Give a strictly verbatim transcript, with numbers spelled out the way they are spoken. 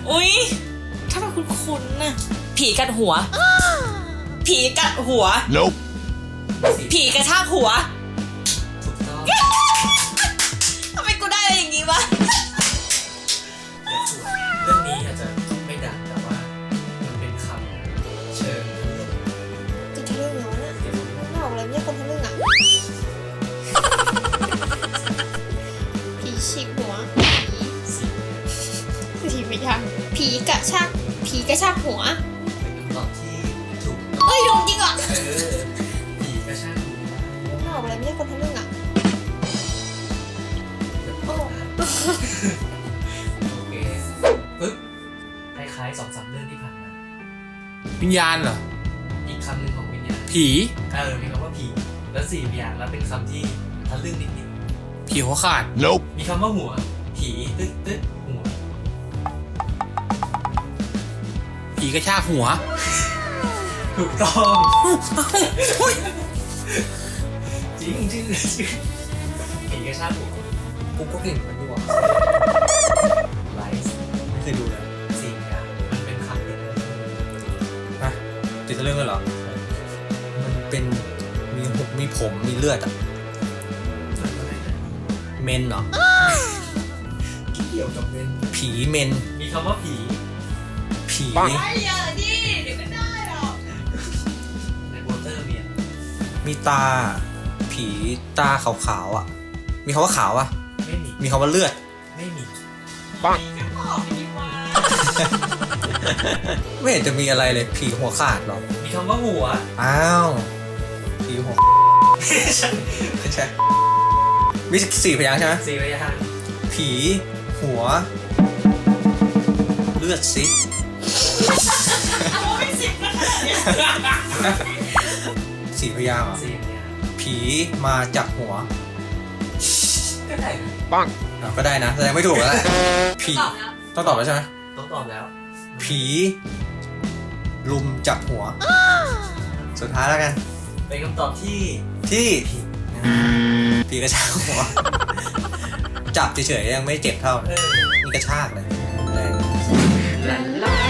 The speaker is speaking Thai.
อุ้ยถ้ามันคุ้นๆน่ะผีกัดหัวผีกัดหัว Nope ผีกระชากหัวถูกต้องทำไมกูได้อะไรอย่างงี้วะเดี๋ยวถูกเรื่องนี้อาจจะไม่ดังแต่ว่ามันเป็นคำเชิงจะทะลึ่งเหรอเนี่ยไม่ออกเลยไม่ใช่คนทะลึ่งอ่ะผีฉีกหัวสีผีไม่ยังผีกระชากผีกระชากหัวเป็นคำตอบที่ถูกเอ้ยโดนจริงเหรอเออผีกระชากหัวไม่ออกเลยไม่ใช่คนทะลึ่งอ่ะ โอ้โอเคปึ๊บคล้ายๆสองสามเรื่องที่ผ่านมาวิญญาณเหรออีกคำหนึ่งของวิญญาณผีเออมีคำว่าผีแล้วสี่อย่างแล้วเป็นคำที่ทะลึ่งนิดผีหัวขาด Nope ๆมีคำว่าหัวผีตึ๊ดตึ๊ดหัวผีกระชากหัวถูกต้องจริงจริงจริงผีกระชากหัวกูก็เก่งเหมือนกันดีกว่าไลฟ์ไม่เคยดูเลยสี่อย่างมันเป็นคำเดียวฮะติดเรื่องเลยเหรอ มันเป็นมีหุบมีผมมีเลือดอะเมนเหรอเกี่ยวกับเป็นผีเมนมีคำว่าผีผีไอ้เยอะดิเดี๋ยวไม่ได้หรอกในโปสเตอร์เมียนมีตา ผีตาขาวๆอะมีคำว่าขาวอะไม่มีมีคำว่าเลือดไม่มีบอกไปดีว่าไม่เห็นจะมีอะไรเลยผีหัวขาดหรอมีคำว่าหัวอ้าวผีหัวไม่ใช่มีสี่พยางค์ใช่ไหมสี่พยางค์ผีหัว เลือดซิโอ้ยสิบแล้วเนี่ยสี่พยางค์เหรอสี่พยางค์ผีมาจากหัวก็ได้นะอ่ะก็ได้นะแสดงไม่ถูกแล้วแหละผีตอบแล้วต้องตอบแล้วใช่ไหมต้องตอบแล้วผีลุมจับหัว สุดท้ายแล้วกันเป็นคำตอบที่ที่ผิดผีกระชากหัว จับเฉยๆยังไม่เจ็บเท่าเออนี่กระชากเลยแรงลาลา